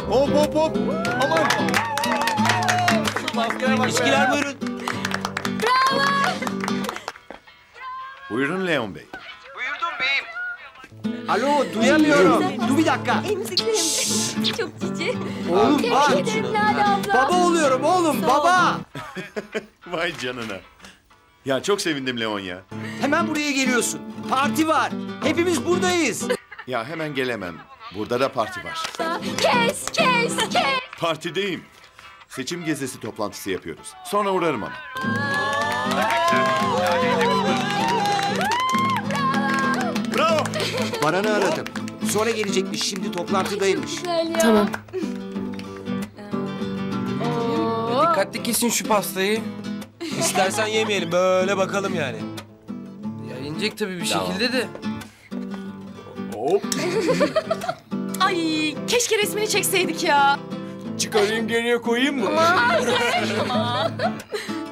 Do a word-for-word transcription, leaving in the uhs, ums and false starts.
Hop hop hop. Aman. İçkiler buyurun. Buyurun Leon Bey. Buyurdum beyim. Alo duyamıyorum. Dur bir dakika. Emziklerim de çok cici. Oğlum bak. Tebrik ederim Lale abla. Baba oluyorum oğlum baba. Vay canına. Ya çok sevindim Leon ya. Hemen buraya geliyorsun. Parti var. Hepimiz buradayız. Ya hemen gelemem. Burada da parti var. Kes, kes, kes. Partideyim. Seçim gezisi toplantısı yapıyoruz. Sonra uğrarım ama. Bravo. Baran'ı aradım. Sonra gelecekmiş. Şimdi toplantıdaymış. Güzel ya. Tamam. Dikkatli kesin şu pastayı. İstersen yemeyelim, böyle bakalım yani. Ya inecek tabii bir şekilde de. Ay keşke resmini çekseydik ya. Çıkarayım geriye koyayım mı?